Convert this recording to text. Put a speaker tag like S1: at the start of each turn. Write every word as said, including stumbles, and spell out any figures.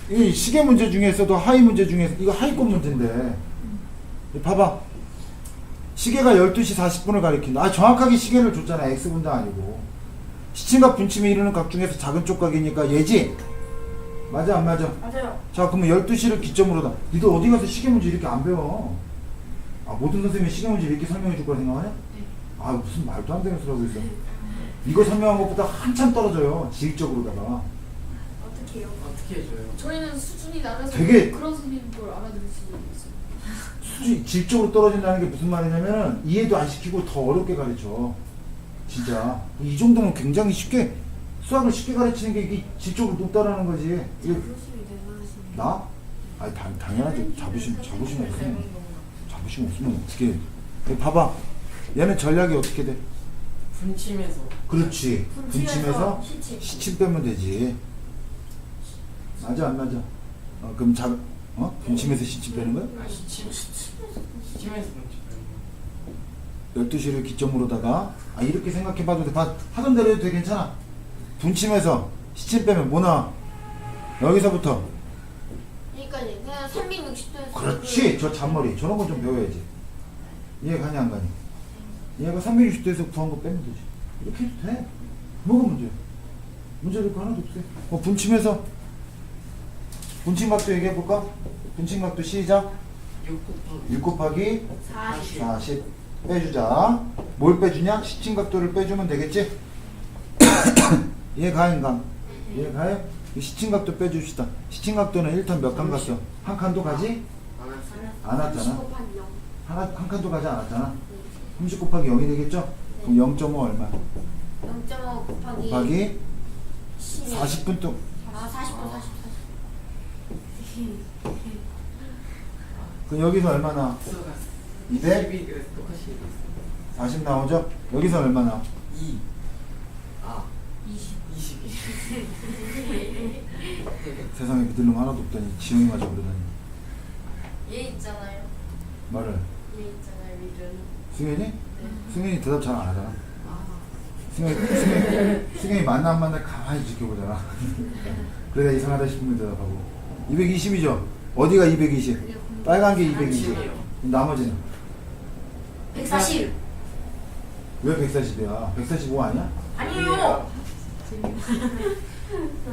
S1: 이 시계 문제 중에서도 하위 문제 중에서 이거 하위권 문제인데 봐봐. 시계가 열두 시 사십 분을 가리킨다. 아, 정확하게 시계를 줬잖아. X분도 아니고. 시침과 분침이 이루는 각 중에서 작은 쪽각이니까 얘지? 맞아 안 맞아?
S2: 맞아요.
S1: 자, 그러면 열두 시를 기점으로다. 니들 어디 가서 시계 문제 이렇게 안 배워? 아, 모든 선생님이 시계 문제 이렇게 설명해 줄 거라 생각하냐? 아, 무슨 말도 안 되는 소리 하고 있어. 이거 설명한 것보다 한참 떨어져요. 지식적으로다가.
S2: 어떻게 해요?
S3: 어떻게 해줘요?
S4: 저희는 수준이 낮아서
S1: 되게-
S4: 그런 선생님 걸 알아들을 수 있어요.
S1: 수준, 질적으로 떨어진다는 게 무슨 말이냐면 이해도 안 시키고 더 어렵게 가르쳐. 진짜. 이 정도면 굉장히 쉽게, 수학을 쉽게 가르치는 게 이게 질적으로 높다라는 거지. 이거
S2: 자부심이 대단하시네요.
S1: 나? 아니, 당, 당연하지. 자부심, 자부심 없으면, 자부심 없으면 어떻게 해. 여기 봐봐. 얘는 전략이 어떻게 돼?
S3: 분침에서.
S1: 그렇지. 분침에서
S2: 시침.
S1: 시침 빼면 되지. 맞아, 안 맞아? 어, 그럼 자, 어? 분침에서 시침 빼는 거야?
S3: 아, 시침. 시침에서 분침.
S1: 열두 시를 기점으로다가, 아, 이렇게 생각해봐도 돼. 봐, 하던 대로 해도 돼. 괜찮아. 분침에서 시침 빼면 뭐 나와? 여기서부터.
S2: 여기까지 그냥 삼백육십 도에서
S1: 그렇지. 저 잔머리. 저런 거 좀 배워야지. 이해 가냐, 안 가냐? 얘가 삼백육십 도에서 구한 거 빼면 되지. 이렇게 해도 돼. 뭐가 문제야? 문제될 거 하나도 없어. 어, 분침에서 분침각도 얘기해볼까? 분침각도 시작.
S3: 육 곱하기.
S1: 육 곱하기
S2: 사십.
S1: 사십 빼주자. 뭘 빼주냐? 시침각도를 빼주면 되겠지? 이해 가, 인감? 이해 가요? 이 시침각도 빼줍시다. 시침각도는 일 턴 몇 칸 갔어? 한 칸도 가지?
S3: 안 왔어요.
S1: 안 왔잖아.
S2: 삼십 곱하기 영.
S1: 하나, 한 칸도 가지 않았잖아. 삼십 곱하기 영이 되겠죠? 그럼 영 점 오 얼마?
S2: 영 점 오 곱하기
S1: 곱하기
S2: 십.
S1: 사십 분 동
S2: 아 사십 분 사십 분.
S1: 그럼 여기서 얼마 나와?
S3: 수가
S1: 이백?
S3: 십이 그래서 똑같이 얘기했어요.
S1: 사십 나오죠? 여기서 얼마 나와?
S3: 이. 아.
S2: 이십.
S3: 이십.
S1: 세상에 믿을 놈 하나도 없다니 지영이 맞아 그러다니.
S4: 얘 있잖아요.
S1: 말을
S4: 얘 있잖아요. 리든.
S1: 승현이?
S4: 네.
S1: 승현이 대답 잘 안 하잖아.
S4: 아.
S1: 승현이, 승현이, 승현이 만나 안 만나 가만히 지켜보잖아. 그래야 이상하다 싶으면 대답하고. 이백이십이죠? 어디가 이백이십? 빨간 게 이백이십. 나머지는?
S2: 백사십.
S1: 왜 백사십이야? 백사십오 아니야?
S2: 아니요.